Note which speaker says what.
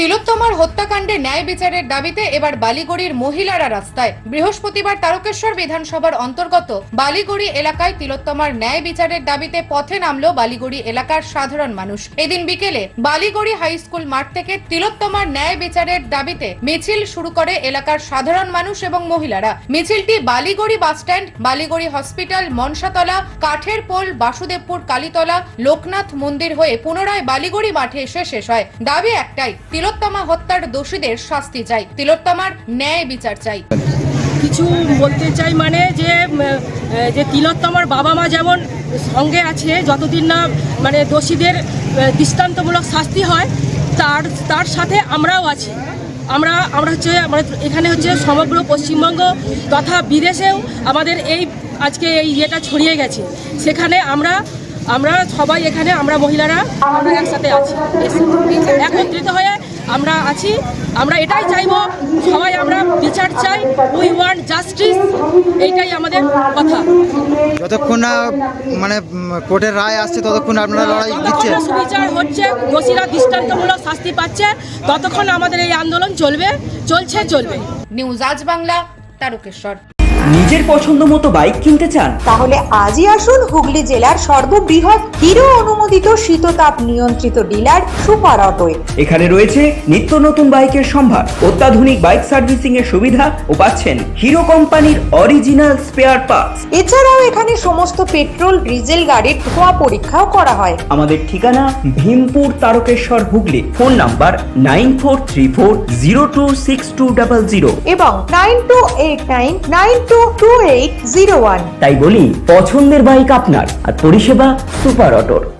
Speaker 1: তিলোত্তমার হত্যাকাণ্ডে ন্যায় বিচারের দাবিতে এবার বালিগড়ির মহিলারা রাস্তায়। বৃহস্পতিবার তারকেশ্বর বিধানসভার অন্তর্গত বালিগড়ি এলাকায় তিলোত্তমার ন্যায় বিচারের দাবিতে পথে নামলো বালিগড়ি এলাকার সাধারণ মানুষ। এদিন বিকেলে বালিগড়ি হাই স্কুল মাঠ থেকে তিলোত্তমার ন্যায় বিচারের দাবিতে মিছিল শুরু করে এলাকার সাধারণ মানুষ এবং মহিলারা। মিছিলটি বালিগড়ি বাসস্ট্যান্ড, বালিগড়ি হসপিটাল, মনসাতলা, কাঠের পোল, বাসুদেবপুর কালীতলা, লোকনাথ মন্দির হয়ে পুনরায় বালিগড়ি মাঠে এসে শেষ হয়। দাবি একটাই, তিলোত্তমা হত্যার দোষীদের শাস্তি চাই, তিলোত্তমার ন্যায় বিচার চাই।
Speaker 2: কিছু বলতে চাই মানে যে তিলোত্তমার বাবা মা যেমন সঙ্গে আছে, যতদিন না মানে দোষীদের দৃষ্টান্তমূলক শাস্তি হয় তার সাথে আমরাও আছি। আমরা এখানে হচ্ছে সমগ্র পশ্চিমবঙ্গ তথা বিদেশেও আমাদের আজকে এই ইয়েটা ছড়িয়ে গেছে। সেখানে আমরা সবাই এখানে আমরা মহিলারা আমরা একসাথে আছি, একত্রিত হয়ে আমরা আছি। আমরা এটাই চাইবো, সবাই আমরা বিচার চাই, উই ওয়ান্ট জাস্টিস, এইটাই আমাদের কথা।
Speaker 3: যতক্ষণ না মানে কোর্টের রায় আসছে ততক্ষণ আপনারা লড়াই দিচ্ছেন,
Speaker 2: সুবিচার হচ্ছে, দোষীরা দৃষ্টান্তমূলক শাস্তি পাচ্ছে, ততক্ষণ আমাদের এই আন্দোলন চলবে।
Speaker 1: নিউজ আজ বাংলা, তারকেশ্বর।
Speaker 4: নিজের পছন্দ মতো বাইক কিনতে চান?
Speaker 5: তাহলে আজই আসুন হুগলি জেলার সর্ববৃহৎ হিরো অনুমোদিত শীততাপ নিয়ন্ত্রিত ডিলার সুপার অটোয়।
Speaker 4: এখানে রয়েছে নিত্য নতুন বাইকের সম্ভার, অত্যাধুনিক বাইক সার্ভিসিং এর সুবিধা ও পাচ্ছেন হিরো কোম্পানির অরিজিনাল স্পেয়ার পার্টস।
Speaker 5: এছাড়াও এখানে সমস্ত পেট্রোল ডিজেল গাড়ির ধোঁয়া পরীক্ষাও করা হয়।
Speaker 4: আমাদের ঠিকানা ভীমপুর, তারকেশ্বর, হুগলি। ফোন নাম্বার 9434026200
Speaker 5: এবং 9289922801।
Speaker 4: তাই বলি, পছন্দের বাইক আপনার আর পরিষেবা সুপার অটোর।